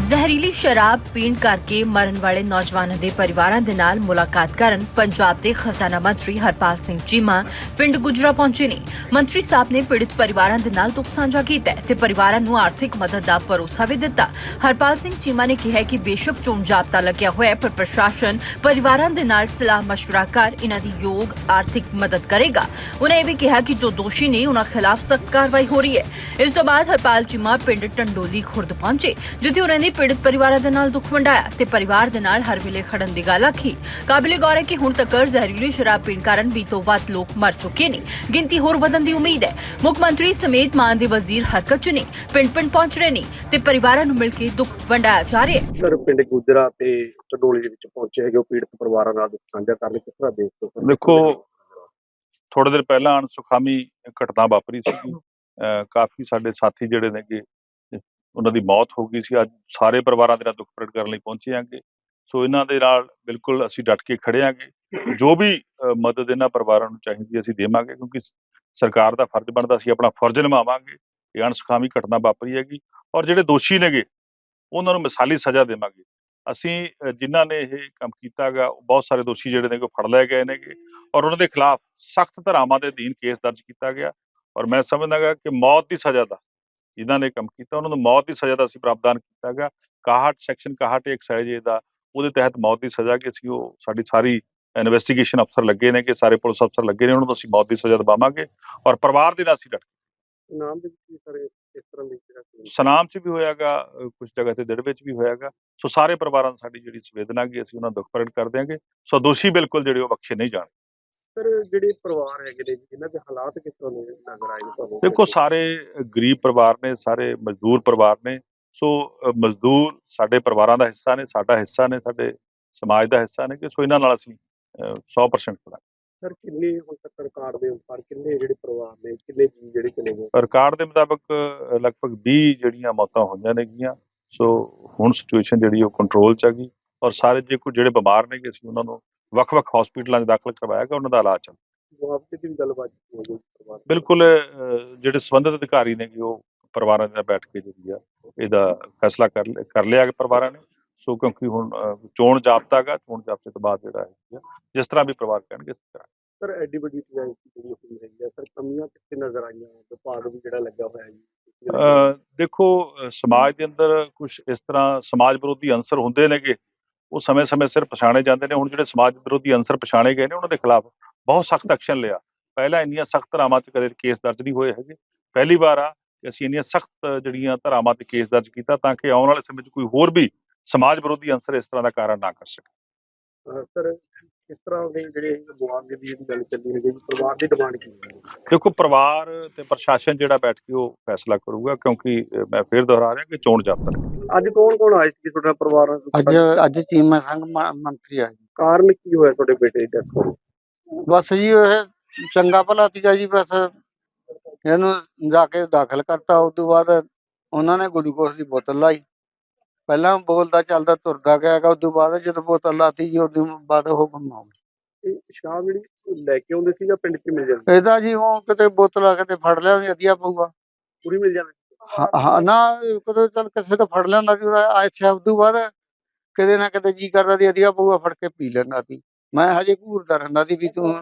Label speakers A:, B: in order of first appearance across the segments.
A: ਜ਼ਹਿਰੀਲੀ ਸ਼ਰਾਬ ਪੀਣ ਕਰਕੇ ਮਰਨ ਵਾਲੇ ਨੌਜਵਾਨਾਂ ਦੇ ਪਰਿਵਾਰਾਂ ਦੇ ਨਾਲ ਮੁਲਾਕਾਤ ਕਰਨ ਪੰਜਾਬ ਦੇ ਖਜ਼ਾਨਾ ਮੰਤਰੀ ਹਰਪਾਲ ਸਿੰਘ ਚੀਮਾ ਪਿੰਡ ਗੁਜਰਾ ਪਹੁੰਚੇ ਨੇ। ਮੰਤਰੀ ਸਾਹਿਬ ਨੇ ਪੀੜਤ ਪਰਿਵਾਰਾਂ ਦੇ ਨਾਲ ਦੁੱਖ ਸਾਂਝਾ ਕੀਤਾ ਤੇ ਪਰਿਵਾਰਾਂ ਨੂੰ ਆਰਥਿਕ ਮਦਦ ਦਾ ਭਰੋਸਾ ਵੀ ਦਿੱਤਾ। ਹਰਪਾਲ ਸਿੰਘ ਚੀਮਾ ਨੇ ਕਿਹਾ ਕਿ ਬੇਸ਼ੱਕ ਚੋਣ ਜਾਬਤਾ ਲੱਗਿਆ ਹੋਇਆ ਪਰ ਪ੍ਰਸ਼ਾਸਨ ਪਰਿਵਾਰਾਂ ਦੇ ਨਾਲ ਸਲਾਹ ਮਸ਼ਵਰਾ ਕਰ ਇਹਨਾਂ ਦੀ ਯੋਗ ਆਰਥਿਕ ਮਦਦ ਕਰੇਗਾ। ਉਨ੍ਹਾਂ ਇਹ ਵੀ ਕਿਹਾ ਕਿ ਜੋ ਦੋਸ਼ੀ ਨੇ ਉਹਨਾਂ ਖਿਲਾਫ ਸਖਤ ਕਾਰਵਾਈ ਹੋ ਰਹੀ ਹੈ। ਇਸ ਤੋਂ ਬਾਅਦ ਹਰਪਾਲ ਚੀਮਾ ਪਿੰਡ ਟੰਡੋਲੀ ਖੁਰਦ ਪਹੁੰਚੇ ਜਿੱਥੇ ਉਹਨਾਂ ਨੇ ਪੀੜਤ ਪਰਿਵਾਰਾਂ ਦੇ ਨਾਲ ਦੁੱਖ ਵੰਡਾਇਆ ਤੇ ਪਰਿਵਾਰ ਦੇ ਨਾਲ ਹਰ ਵੇਲੇ ਖੜਨ ਦੀ ਗੱਲ ਆਖੀ। ਕਾਬਿਲੇ ਗੌਰ ਹੈ ਕਿ ਹੁਣ ਤੱਕ ਜ਼ਹਿਰੀਲੀ ਸ਼ਰਾਬ ਪੀਣ ਕਾਰਨ 20 ਤੋਂ ਵੱਧ ਲੋਕ ਮਰ ਚੁੱਕੇ ਨੇ। ਗਿਣਤੀ ਹੋਰ ਵਧਣ ਦੀ ਉਮੀਦ ਹੈ। ਮੁੱਖ ਮੰਤਰੀ ਸਮੇਤ ਮਾਨ ਦੇ ਵਜ਼ੀਰ ਹਰਕਤ ਚ ਨੇ, ਪਿੰਡ ਪਹੁੰਚ ਰਹੇ ਨੇ ਤੇ ਪਰਿਵਾਰਾਂ ਨੂੰ ਮਿਲ ਕੇ ਦੁੱਖ ਵੰਡਾਇਆ ਜਾ ਰਿਹਾ ਹੈ।
B: ਸਰ ਪਿੰਡ ਗੁਜਰਾ ਤੇ ਟੰਡੋਲੀ ਦੇ ਵਿੱਚ ਪਹੁੰਚੇ ਹੈਗੇ ਪੀੜਤ ਪਰਿਵਾਰਾਂ ਨਾਲ ਦੁੱਖ ਸਾਂਝਾ ਕਰਨ ਲਈ, ਕਿਸ ਤਰ੍ਹਾਂ
C: ਦੇਖੋ ਥੋੜੇ ਦਿਨ ਪਹਿਲਾਂ ਅਣਸੁਖਾਵੀ ਘਟਨਾ ਵਾਪਰੀ ਸੀ। ਕਾਫੀ ਸਾਡੇ ਸਾਥੀ ਜਿਹੜੇ ਨੇਗੇ ਉਹਨਾਂ ਦੀ ਮੌਤ ਹੋ ਗਈ ਸੀ। ਅੱਜ ਸਾਰੇ ਪਰਿਵਾਰਾਂ ਦੇ ਨਾਲ ਦੁੱਖ ਪ੍ਰਗਟ ਕਰਨ ਲਈ ਪਹੁੰਚੇ ਆਂਗੇ। ਸੋ ਇਹਨਾਂ ਦੇ ਨਾਲ ਬਿਲਕੁਲ ਅਸੀਂ ਡਟ ਕੇ ਖੜੇ ਆਂਗੇ। ਜੋ ਵੀ ਮਦਦ ਇਹਨਾਂ ਪਰਿਵਾਰਾਂ ਨੂੰ ਚਾਹੀਦੀ ਅਸੀਂ ਦੇਵਾਂਗੇ, ਕਿਉਂਕਿ ਸਰਕਾਰ ਦਾ ਫਰਜ਼ ਬਣਦਾ, ਅਸੀਂ ਆਪਣਾ ਫਰਜ਼ ਨਿਭਾਵਾਂਗੇ। ਇਹ ਅਣਸੁਖਾਵੀ ਘਟਨਾ ਵਾਪਰੀ ਹੈਗੀ ਔਰ ਜਿਹੜੇ ਦੋਸ਼ੀ ਨੇਗੇ ਉਹਨਾਂ ਨੂੰ ਮਿਸਾਲੀ ਸਜ਼ਾ ਦੇਵਾਂਗੇ। ਅਸੀਂ ਜਿਨ੍ਹਾਂ ਨੇ ਇਹ ਕੰਮ ਕੀਤਾ ਗਾ ਬਹੁਤ ਸਾਰੇ ਦੋਸ਼ੀ ਜਿਹੜੇ ਨੇ ਫੜ ਲਏ ਗਏ ਨੇਗੇ ਔਰ ਉਹਨਾਂ ਦੇ ਖਿਲਾਫ ਸਖਤ ਧਾਰਾਵਾਂ ਦੇ ਅਧੀਨ ਕੇਸ ਦਰਜ ਕੀਤਾ ਗਿਆ ਔਰ ਮੈਂ ਸਮਝਦਾ ਗਾ ਕਿ ਮੌਤ ਦੀ ਸਜ਼ਾ ਦਾ ਜਿਨ੍ਹਾਂ ਨੇ ਕੰਮ ਕੀਤਾ ਉਹਨਾਂ ਨੂੰ ਮੌਤ ਦੀ ਸਜ਼ਾ ਦਾ ਅਸੀਂ ਪ੍ਰਾਵਧਾਨ ਕੀਤਾ ਗਿਆ। 61 ਸੈਕਸ਼ਨ 61 ਐਕਸਾਈਜ਼ ਦਾ ਉਹਦੇ ਤਹਿਤ ਮੌਤ ਦੀ ਸਜ਼ਾ ਕਿ ਅਸੀਂ ਉਹ ਸਾਡੀ ਸਾਰੀ ਇਨਵੈਸਟੀਗੇਸ਼ਨ ਅਫਸਰ ਲੱਗੇ ਨੇ, ਕਿ ਸਾਰੇ ਪੁਲਿਸ ਅਫਸਰ ਲੱਗੇ ਨੇ, ਉਹਨਾਂ ਨੂੰ ਅਸੀਂ ਮੌਤ ਦੀ ਸਜ਼ਾ ਦਿਵਾਵਾਂਗੇ ਔਰ ਪਰਿਵਾਰ ਦੇ ਨਾਲ ਅਸੀਂ ਡਟ
B: ਨਾਮ ਦੇ ਵਿੱਚ ਸਰ ਇਸ ਤਰ੍ਹਾਂ ਦੀ
C: ਸਨਾਮ 'ਚ ਵੀ ਹੋਇਆਗਾ, ਕੁਝ ਜਗ੍ਹਾ ਤੇ ਦਿੜ ਵਿੱਚ ਵੀ ਹੋਇਆਗਾ। ਸੋ ਸਾਰੇ ਪਰਿਵਾਰਾਂ ਨੂੰ ਸਾਡੀ ਜਿਹੜੀ ਸੰਵੇਦਨਾ ਗੀ ਅਸੀਂ ਉਹਨਾਂ ਦਾ ਦੁੱਖ ਪ੍ਰਗਟ ਕਰ ਦਿਆਂਗੇ। ਸੋ ਦੋਸ਼ੀ ਬਿਲਕੁਲ ਜਿਹੜੇ ਉਹ ਬਖਸ਼ੇ ਨਹੀਂ ਜਾਣ।
B: ਸਰ ਜਿਹੜੇ ਪਰਿਵਾਰ ਹੈਗੇ ਨੇ ਜਿਨ੍ਹਾਂ ਦੇ ਹਾਲਾਤ ਕਿਸ ਤਰ੍ਹਾਂ ਦੇ ਨਜ਼ਰ ਆਏ ਨੇ ਤੁਹਾਨੂੰ?
C: ਦੇਖੋ ਸਾਰੇ ਗਰੀਬ ਪਰਿਵਾਰ ਨੇ, ਸਾਰੇ ਮਜ਼ਦੂਰ ਪਰਿਵਾਰ ਨੇ। ਸੋ ਮਜ਼ਦੂਰ ਸਾਡੇ ਪਰਿਵਾਰਾਂ ਦਾ ਹਿੱਸਾ ਨੇ, ਸਾਡਾ ਹਿੱਸਾ ਨੇ, ਸਾਡੇ ਸਮਾਜ ਦਾ ਹਿੱਸਾ ਨੇ ਕਿ ਸੋ ਇਹਨਾਂ ਨਾਲ ਅਸੀਂ 100% ਖੜਾਂਗੇ।
B: ਸਰ ਕਿੰਨੇ ਹੁਣ ਤੱਕ ਰਿਕਾਰਡ ਦੇ ਅਨੁਸਾਰ ਕਿੰਨੇ ਜਿਹੜੇ ਪਰਿਵਾਰ ਨੇ, ਕਿੰਨੇ ਜੀ ਜਿਹੜੇ ਚਲੇ ਗਏ?
C: ਰਿਕਾਰਡ ਦੇ ਮੁਤਾਬਕ ਲਗਭਗ 20 ਜਿਹੜੀਆਂ ਮੌਤਾਂ ਹੋਈਆਂ ਨੇਗੀਆਂ। ਸੋ ਹੁਣ ਸਿਚੁਏਸ਼ਨ ਜਿਹੜੀ ਉਹ ਕੰਟਰੋਲ 'ਚ ਹੈਗੀ ਔਰ ਸਾਰੇ ਜੇ ਕੋਈ ਜਿਹੜੇ ਬਿਮਾਰ ਨੇਗੇ ਅਸੀਂ ਉਹਨਾਂ ਨੂੰ ਵੱਖ-ਵੱਖ ਹਸਪੀਟਲਾਂ 'ਚ ਦਾਖਲ ਕਰਵਾਇਆ ਗਿਆ, ਉਹਨਾਂ ਦਾ ਇਲਾਜ ਚੱਲ
B: ਮੁਆਵਜ਼ੇ ਦੀ ਵੀ ਗੱਲਬਾਤ ਹੋ ਗਈ ਪਰਿਵਾਰ?
C: ਬਿਲਕੁਲ ਜਿਹੜੇ ਸੰਬੰਧਿਤ ਅਧਿਕਾਰੀ ਨੇਗੇ ਉਹ ਪਰਿਵਾਰਾਂ ਦੇ ਨਾਲ ਬੈਠ ਕੇ ਜਿਹੜੀ ਆ ਇਹਦਾ ਫੈਸਲਾ ਕਰ ਲਿਆ ਕਿ ਪਰਿਵਾਰਾਂ ਨੇ। ਸੋ ਕਿਉਂਕਿ ਹੁਣ ਚੋਣ ਜਾਬਤਾ ਗਾ, ਚੋਣ ਜਾਬਤੇ ਤੋਂ ਬਾਅਦ ਜਿਹੜਾ ਹੈ ਜਿਸ ਤਰ੍ਹਾਂ ਵੀ ਪਰਿਵਾਰ ਕਹਿਣਗੇ ਇਸ ਤਰ੍ਹਾਂ।
B: ਸਰ ਐਡੀ ਵੱਡੀ ਜਿਹੜੀ ਹੋਈ ਹੈਗੀ ਆ, ਸਰ ਕਮੀਆਂ ਕਿੱਥੇ ਨਜ਼ਰ ਆਈਆਂ? ਵਿਭਾਗ ਵੀ ਜਿਹੜਾ ਲੱਗਾ ਹੋਇਆ ਜੀ।
C: ਦੇਖੋ ਸਮਾਜ ਦੇ ਅੰਦਰ ਕੁਝ ਇਸ ਤਰ੍ਹਾਂ ਸਮਾਜ ਵਿਰੋਧੀ ਅੰਸਰ ਹੁੰਦੇ ਨੇਗੇ, ਉਹ ਸਮੇਂ-ਸਮੇਂ ਸਿਰ ਪਛਾਣੇ ਜਾਂਦੇ ਨੇ। ਹੁਣ ਜਿਹੜੇ ਸਮਾਜ ਵਿਰੋਧੀ ਅੰਸਰ ਪਛਾਣੇ ਗਏ ਨੇ ਉਹਨਾਂ ਦੇ ਖਿਲਾਫ ਬਹੁਤ ਸਖਤ ਐਕਸ਼ਨ ਲਿਆ। ਪਹਿਲਾਂ ਇੰਨੀਆਂ ਸਖਤ ਧਾਰਾਵਾਂ 'ਚ ਕਦੇ ਕੇਸ ਦਰਜ ਨਹੀਂ ਹੋਏ ਹੈਗੇ। ਪਹਿਲੀ ਵਾਰ ਆ ਕਿ ਅਸੀਂ ਇੰਨੀਆਂ ਸਖਤ ਜਿਹੜੀਆਂ ਧਾਰਾਵਾਂ 'ਤੇ ਕੇਸ ਦਰਜ ਕੀਤਾ ਤਾਂ ਕਿ ਆਉਣ ਵਾਲੇ ਸਮੇਂ 'ਚ ਕੋਈ ਹੋਰ ਵੀ ਸਮਾਜ ਵਿਰੋਧੀ ਅੰਸਰ ਇਸ ਤਰ੍ਹਾਂ ਦਾ ਕਾਰਨ ਨਾ ਕਰ ਸਕੇ।
B: ਸਰ ਇਸ ਤਰ੍ਹਾਂ ਦੇ ਜਿਹੜੇ ਮੁਆਵਜ਼ੇ ਦੀ ਗੱਲ ਚੱਲੀ ਹੈਗੀ, ਪਰਿਵਾਰ ਦੀ ਡਿਮਾਂਡ ਕੀ ਹੈ?
C: ਦੇਖੋ ਪਰਿਵਾਰ ਤੇ ਪ੍ਰਸ਼ਾਸਨ ਜਿਹੜਾ ਬੈਠ ਕੇ ਉਹ ਫੈਸਲਾ ਕਰੂਗਾ, ਕਿਉਂਕਿ ਮੈਂ ਫਿਰ ਦੁਹਰਾ ਰਿਹਾ ਕਿ ਚੋਣ ਜਾਬਤਾ।
B: ਅੱਜ ਕੌਣ ਆਏ ਸੀ ਤੁਹਾਡਾ ਪਰਿਵਾਰ?
D: ਅੱਜ ਚੀਮਾ ਸਿੰਘ ਮੰਤਰੀ ਆ ਜੀ।
B: ਕਾਰਨ ਕੀ ਹੋਇਆ ਤੁਹਾਡੇ ਬੇਟੇ ਦੀ ਡੈਥ ਹੋਈ?
D: ਬਸ ਜੀ ਇਹ ਚੰਗਾ ਭਲਾ ਸੀਗਾ ਜੀ, ਬਸ ਇਹਨੂੰ ਜਾ ਕੇ ਦਾਖਲ ਕਰਤਾ। ਉਸ ਤੋਂ ਬਾਅਦ ਉਹਨਾਂ ਨੇ ਗਲੂਕੋਸ ਦੀ ਬੋਤਲ ਲਾਈ। ਪਹਿਲਾਂ ਬੋਲਦਾ ਚੱਲਦਾ ਤੁਰਦਾ ਗਿਆ ਗਾ, ਉਸ ਤੋਂ ਬਾਅਦ ਜਦੋਂ ਬੋਤਲ ਲਾਤੀ ਜੀ ਉਦੋਂ ਬਾਅਦ ਉਹ ਗੁੰਮ ਹੋ ਗਿਆ।
B: ਇਹ ਸ਼ਰਾਬ ਜਿਹੜੀ ਲੈ ਕੇ ਆਉਂਦੇ ਸੀ ਜਾਂ ਪਿੰਡ 'ਚ ਮਿਲ ਜਾਂਦੀ?
D: ਇਹਦਾ ਜੀ ਉਹ ਕਿਤੇ ਬੋਤਲ ਆ ਕਿਤੇ ਫੜ ਲਿਆ ਵਧੀਆ ਪਊਗਾ।
B: ਪੂਰੀ ਮਿਲ ਜਾਂਦੀ?
D: ਹਾਂ ਨਾ ਕਦੇ ਚੱਲ ਕਿਸੇ ਤੋਂ ਫੜ ਲਿਆਂਦਾ ਸੀ ਅੱਛਾ। ਉਸ ਤੋਂ ਬਾਅਦ ਕਿਤੇ ਨਾ ਕਿਤੇ ਜੀ ਕਰਦਾ ਸੀ ਵਧੀਆ ਪਊਗਾ, ਫੜ ਕੇ ਪੀ ਲੈਂਦਾ ਸੀ। ਮੈਂ ਹਜੇ ਘੂਰਦਾ ਰਹਿੰਦਾ ਸੀ ਵੀ ਤੂੰ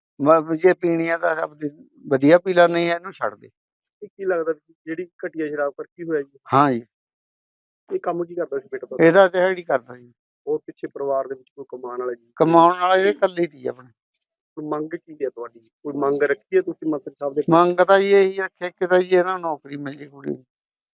D: ਜੇ ਪੀਣੀ ਆ ਤਾਂ ਸਭ ਵਧੀਆ ਪੀ ਲੈ, ਨਹੀਂ ਇਹਨੂੰ ਛੱਡ ਦੇ।
B: ਕੀ ਲੱਗਦਾ ਜਿਹੜੀ ਘਟੀਆ ਸ਼ਰਾਬ ਕਰ ਕੀ ਹੋਇਆ ਜੀ?
D: ਹਾਂ ਜੀ।
B: ਇਹ ਕੰਮ ਕੀ ਕਰਦਾ ਸੀ ਬੇਟਾ ਤੁਹਾਡਾ?
D: ਇਹਦਾ ਦਿਹਾੜੀ ਕਰਦਾ ਜੀ।
B: ਹੋਰ ਪਿੱਛੇ ਪਰਿਵਾਰ ਦੇ ਵਿੱਚ ਕੋਈ ਕਮਾਉਣ ਵਾਲਾ ਜੀ?
D: ਕਮਾਉਣ ਵਾਲਾ ਇਹ ਇਕੱਲੀ ਸੀ ਆਪਣੇ।
B: ਕੋਈ ਮੰਗ ਕੀ ਹੈ ਤੁਹਾਡੀ? ਕੋਈ ਮੰਗ ਰੱਖੀ ਹੈ ਤੁਸੀਂ ਮੰਤਰੀ ਸਾਹਿਬ ਦੇ?
D: ਮੰਗ ਤਾਂ ਜੀ ਇਹੀ ਰੱਖਿਆ ਕਿ ਤਾਂ ਜੀ ਇਹਨਾਂ ਨੂੰ ਨੌਕਰੀ ਮਿਲ ਜੇ ਕੁੜੀ ਨੂੰ।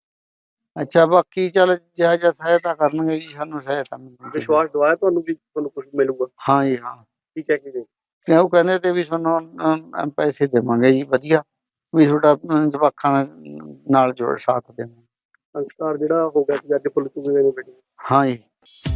D: ਅੱਛਾ ਬਾਕੀ ਚੱਲ ਜਿਹੋ ਜਿਹਾ ਸਹਾਇਤਾ ਕਰਨਗੇ ਜੀ ਸਾਨੂੰ ਸਹਾਇਤਾ ਮਿਲੇਗੀ।
B: ਵਿਸ਼ਵਾਸ ਦਵਾਇਆ ਤੁਹਾਨੂੰ ਵੀ ਤੁਹਾਨੂੰ ਕੁਝ ਮਿਲੂਗਾ?
D: ਹਾਂ ਜੀ ਹਾਂ।
B: ਕੀ ਕਹਿ ਕੇ ਗਏ?
D: ਤੇ ਉਹ ਕਹਿੰਦੇ ਤੇ ਵੀ ਤੁਹਾਨੂੰ ਪੈਸੇ ਦੇਵਾਂਗੇ ਜੀ ਵਧੀਆ, ਵੀ ਤੁਹਾਡਾ ਜਵਾਕਾਂ ਨਾਲ ਜੋੜ ਸਾਥ ਦੇਵਾਂਗੇ।
B: ਸੰਸਕਾਰ ਜਿਹੜਾ ਹੋ ਗਿਆ ਸੀ ਅੱਜ ਪੁਲਿਸ ਨੂੰ ਬੇਟੇ?
D: ਹਾਂ ਜੀ।